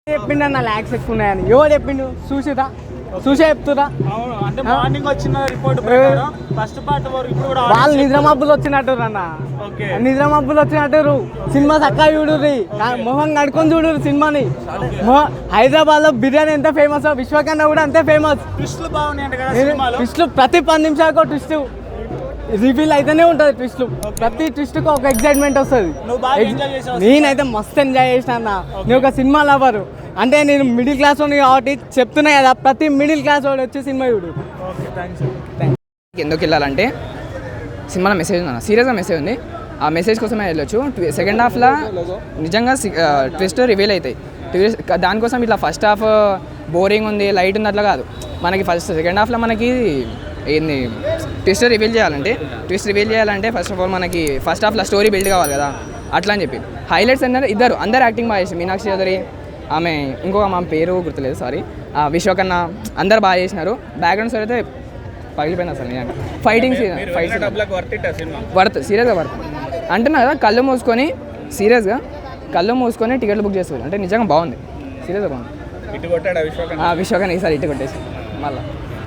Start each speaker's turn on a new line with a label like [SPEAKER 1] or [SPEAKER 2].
[SPEAKER 1] చెప్పిండన్న ల్యాక్స్ ఎక్కువ ఉన్నాయని ఎవరు చెప్పిండు చూసిరా చూసే చెప్తురా
[SPEAKER 2] అంటే మార్నింగ్ వచ్చిన రిపోర్ట్ ఫస్ట్ పార్ట్ వరకు ఇప్పుడు కూడా
[SPEAKER 1] వాళ్ళు నిద్ర మబ్బులు వచ్చినట్టు అన్న నిద్ర మబ్బులు వచ్చినట్టు సినిమా చక్కగా చూడుర్రి మొహం కడుకొని చూడుర్రి సినిమాని హైదరాబాద్ లో బిర్యానీ ఎంత ఫేమస్ విశ్వకర్మ కూడా అంతే ఫేమస్
[SPEAKER 2] ట్విస్ట్లు బాగున్నాయి
[SPEAKER 1] ట్విస్ట్లు ప్రతి 10 నిమిషాలకు ట్విస్ట్ రివీల్ అయితేనే ఉంటుంది ట్విస్ట్లు ప్రతి ట్విస్ట్కి ఒక ఎక్సైట్మెంట్ వస్తుంది నేనైతే మస్తు ఎంజాయ్ చేసిన అన్న నేను ఒక సినిమా లవరు అంటే నేను మిడిల్ క్లాస్ వాడిని కాబట్టి చెప్తున్నా కదా ప్రతి మిడిల్ క్లాస్ వాడు వచ్చి సినిమా చూడు.
[SPEAKER 3] ఎందుకు వెళ్ళాలంటే సినిమాలో మెసేజ్ ఉంది, సీరియస్గా మెసేజ్ ఉంది. ఆ మెసేజ్ కోసమే వెళ్ళొచ్చు. సెకండ్ హాఫ్లో నిజంగా ట్విస్ట్ రివీల్ అవుతాయి. దానికోసం ఇట్లా ఫస్ట్ హాఫ్ బోరింగ్ ఉంది లైట్ ఉంది అట్లా కాదు. మనకి సెకండ్ హాఫ్లో మనకి ఏంది ట్విస్ట్ రివీల్ చేయాలంటే ఫస్ట్ ఆఫ్ ఆల్ మనకి ఫస్ట్ హాఫ్లో స్టోరీ బిల్డ్ కావాలి కదా, అట్లా అని చెప్పి హైలైట్స్ అన్నారు. అందరు యాక్టింగ్ బాగా చేసి మీనాక్షి చౌదరి ఆమె ఇంకొక మా పేరు గుర్తులేదు సారీ విశ్వకర్ణ అందరు బాగా చేసినారు. బ్యాక్గ్రౌండ్ స్టోరీ అయితే పగిలిపోయింది అసలు. నేను ఫైటింగ్ వర్త్ సీరియస్గా వర్త్ అంటున్నా కదా. కళ్ళు మూసుకొని టికెట్లు బుక్ చేసుకోవాలి అంటే నిజంగా బాగుంది, సీరియస్గా బాగుంది.
[SPEAKER 2] విశ్వకర్ణ
[SPEAKER 3] ఈసారి ఇటు కొట్టేసి మళ్ళీ